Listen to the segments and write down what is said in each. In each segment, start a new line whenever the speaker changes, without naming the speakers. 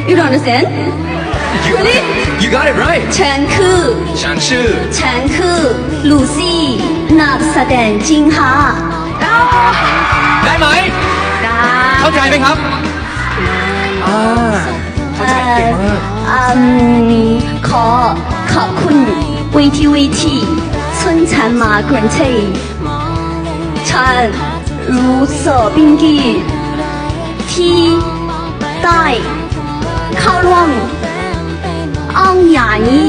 You don't understand? Really?
You got it right
ฉันคือ
ฉันชื่อ
ฉันคือลูซี่นักแสดงจริงค่ะ
ได้ไหม
ได้
เข้าใจไหมครับเข้าใจเก่งมาก
ขอบคุณวีทีวีที春残马滚翠ฉันรู้สึกเป็นเกียรติที่ได้เข้าร่วมอังอย่างนี้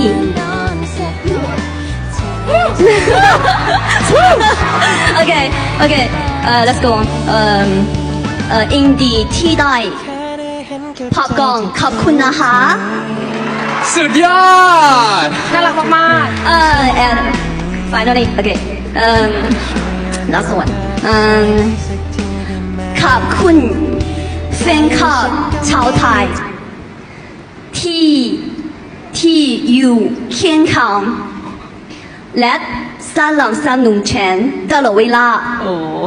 Okay, let's go on. อินดีที่ได้พบกันขอบคุณนะคะ
สุดยอด
น่ารักมากๆ
and finally, okay, last one. ขอบคุณแฟนคลับชาวไทยที่อยู่เคียงข้างและสนับสนุนฉันตลอดเวลา
โอ้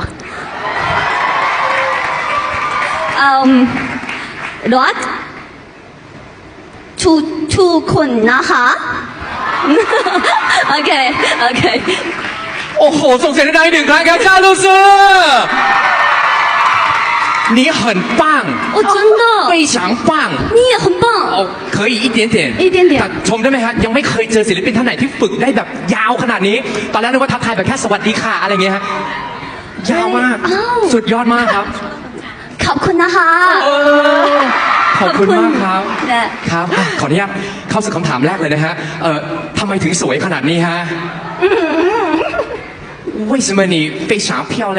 รักทุกคนนะคะ โอเค
โอ้โหส่งเสียงดังๆอีกหนึ่งครั้งครับจ้าลูซื่อ你很棒
哦真的
非常棒
你也很棒
哦可以一点点แต่ชมได้ไหมฮะยังไม่เคยเจอศิลปินท่านไหนที่ฝึกได้แบบยาวขนาดนี้ ตอนแรกนึกว่าทักทายแบบแค่สวัสดีค่ะอะไรเงี้ยฮะยาวมากสุดยอดมากครับ
ขอบคุณนะคะ
ขอบคุณมากครับ
และ
ครับขออนุญาตเข้าสู่คำถามแรกเลยนะฮะทำไมถึงสวยขนาดนี้ฮะ为什么你非常漂亮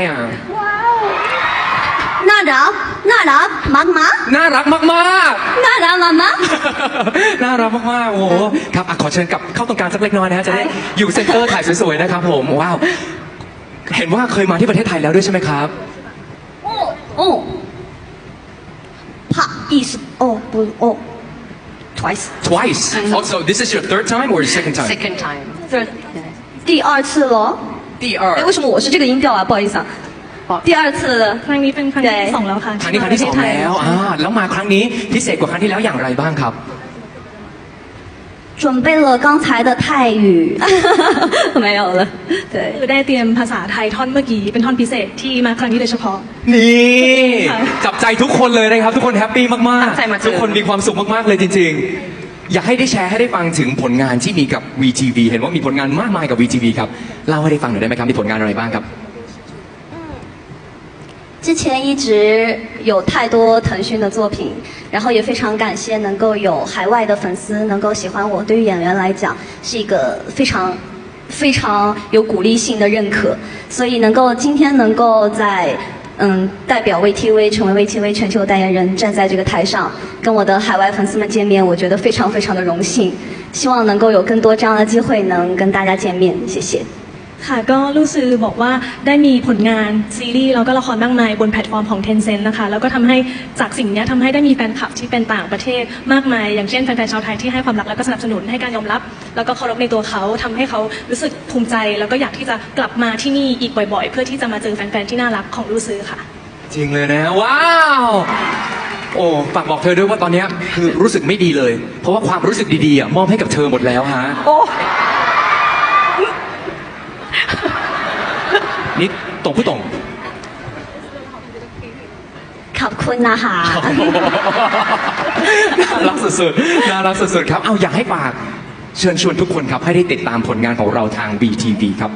น่ารักมาก
น่ารักมาก
น่ารักมาก
น่ารักมากๆโอ้โหครับขอเชิญกลับเข้าตรงกลางสักเล็กน้อยนะฮะจะได้อยู่เซ็นเตอร์ถ่ายสวยๆนะครับผมว้าวเห็นว่าเคยมาที่ประเทศไทยแล้วด้วยใช่ไหมครับ
โอ้ผักอีสtwice
twice also this is your third time or second time
second time
third 第二次了
第二
为什么我是这个音调啊不好意思啊第二次
ครั้งนี้เป็นครั้งที่สองแล้วค่ะ
ครั้งนี้ครั้งที่สองแล้วแล้วมาครั้งนี้พิเศษกว่าครั้งที่แล้วอย่างไรบ้างครับ
准备了刚才的泰语没有了对
คือได้เตรียมภาษาไทยท่อนเมื่อกี้เป็นท่อนพิเศษที่มาครั้งนี้โดยเฉพาะ
นี่จับใจทุกคนเลยนะครับทุกคนแฮปปี้มาก
ตั้งใจมาเจอ
ๆทุกคนมีความสุขมากๆเลยจริงๆอยากให้ได้แชร์ให้ได้ฟังถึงผลงานที่มีกับ VTV เห็นว่ามีผลงานมากมายกับ VTV ครับเล่าให้ได้ฟังหน่อยได้ไหมครับมีผลงานอะไรบ้างครับ
之前一直有太多腾讯的作品，然后也非常感谢能够有海外的粉丝能够喜欢我，对于演员来讲是一个非常有鼓励性的认可，所以今天能够在代表 VTV 成为 VTV 全球代言人，站在这个台上跟我的海外粉丝们见面，我觉得非常的荣幸，希望能够有更多这样的机会能跟大家见面，谢谢。
ค่ะก็รู้สึกบอกว่าได้มีผลงานซีรีส์แล้วก็ละครมากมายบนแพลตฟอร์มของ Tencent นะคะแล้วก็ทำให้จากสิ่งนี้ทำให้ได้มีแฟนคลับที่เป็นต่างประเทศมากมายอย่างเช่นแฟนๆชาวไทยที่ให้ความรักและก็สนับสนุนให้การยอมรับแล้วก็เคารพในตัวเขาทำให้เขารู้สึกภูมิใจแล้วก็อยากที่จะกลับมาที่นี่อีกบ่อยๆเพื่อที่จะมาเจอแฟนๆที่น่ารักของรู้สึกค่ะ
จริงเลยนะว้าวโอ้ฝากบอกเธอด้วยว่าตอนนี้คือรู้สึกไม่ดีเลยเพราะว่าความรู้สึกดีๆมอบให้กับเธอหมดแล้วฮะ
โอ้
นี่ตรงผู้ตรง
ขอบคุณนะคะ
น่ารักสุดๆครับเอาอยากให้ฝากเชิญชวนทุกคนครับให้ได้ติดตามผลงานของเราทาง VTV ครับ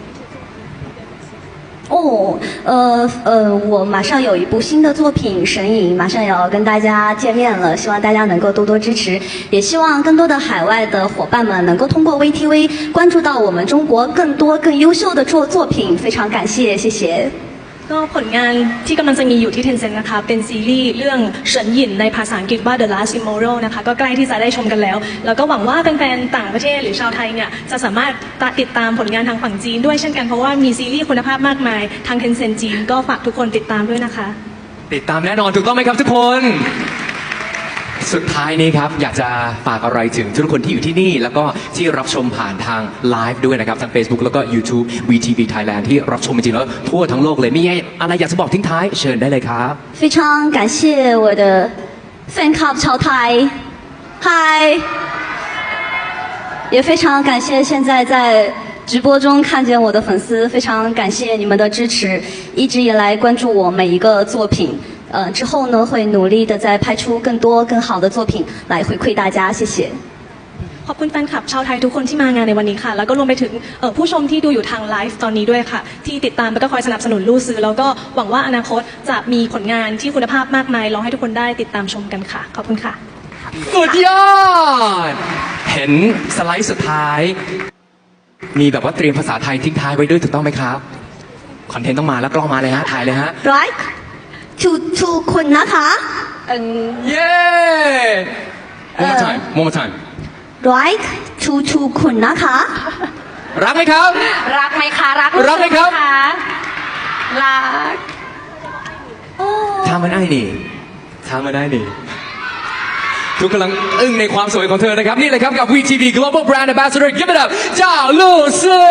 我马上有一部新的作品《神隐》，马上也要跟大家见面了，希望大家能够多多支持，也希望更多的海外的伙伴们能够通过 VTV 关注到我们中国更多更优秀的作品，非常感谢，谢谢。
ก็ผลงานที่กำลังจะมีอยู่ที่ Tencent นะคะเป็นซีรีส์เรื่องเฉินหยินในภาษาอังกฤษว่า The Last Immoral นะคะก็ใกล้ที่จะได้ชมกันแล้วแล้วก็หวังว่าแฟนๆต่างประเทศหรือชาวไทยเนี่ยจะสามารถติดตามผลงานทางฝั่งจีนด้วยเช่นกันเพราะว่ามีซีรีส์คุณภาพมากมายทาง Tencent จีนก็ฝากทุกคนติดตามด้วยนะคะ
ติดตามแน่นอนถูกต้องไหมครับทุกคนสุดท้ายนี้ครับอยากจะฝากอะไรถึงทุกคนที่อยู่ที่นี่แล้วก็ที่รับชมผ่านทางไลฟ์ด้วยนะครับทาง Facebook แล้วก็ YouTube VTV Thailand ที่รับชมจริงๆแล้วทั่วทั้งโลกเลยมีอะไรอยากจะบอกทิ้งท้ายเชิญได้เลยครับ
非常感谢我的 fan club 潮台，嗨！也非常感谢现在在直播中看见我的粉丝，非常感谢你们的支持，一直以来关注我每一个作品。之后呢会努力的再拍出更多更好的作品来回馈大家，谢谢。
ขอบคุณแฟนคลับชาวไทยทุกคนที่มางานในวันนี้ค่ะ แล้วก็รวมไปถึงผู้ชมที่ดูอยู่ทางไลฟ์ตอนนี้ด้วยค่ะ ที่ติดตามแล้วก็คอยสนับสนุนลู่ซื้อแล้วก็หวังว่าอนาคตจะมีผลงานที่คุณภาพมากมายรอให้ทุกคนได้ติดตามชมกันค่ะ ขอบคุณค่ะ
สุดยอด เห็นสไลด์สุดท้าย มีแบบว่าเตรียมภาษาไทยทิ้งท้ายไว้ด้วยถูกต้องไหมครับ คอนเทนต์ต้องมาแล้วกล้องมาเลยฮะ ถ่ายเลยฮะ
Like to คุณนะคะ
เย้ one more time one more time
Like to คุณนะคะ
รักไหมครับ
รักไหมคะ รัก
รักไหมครับ
ะรัก
ทำมันได้นี่ทำมันได้นี่ ทุกกำลังอึ้งในความสวยของเธอนะครับ นี่เลยครับกับ VTV Global Brand Ambassador Give it up เจ้าลู่ซื่อ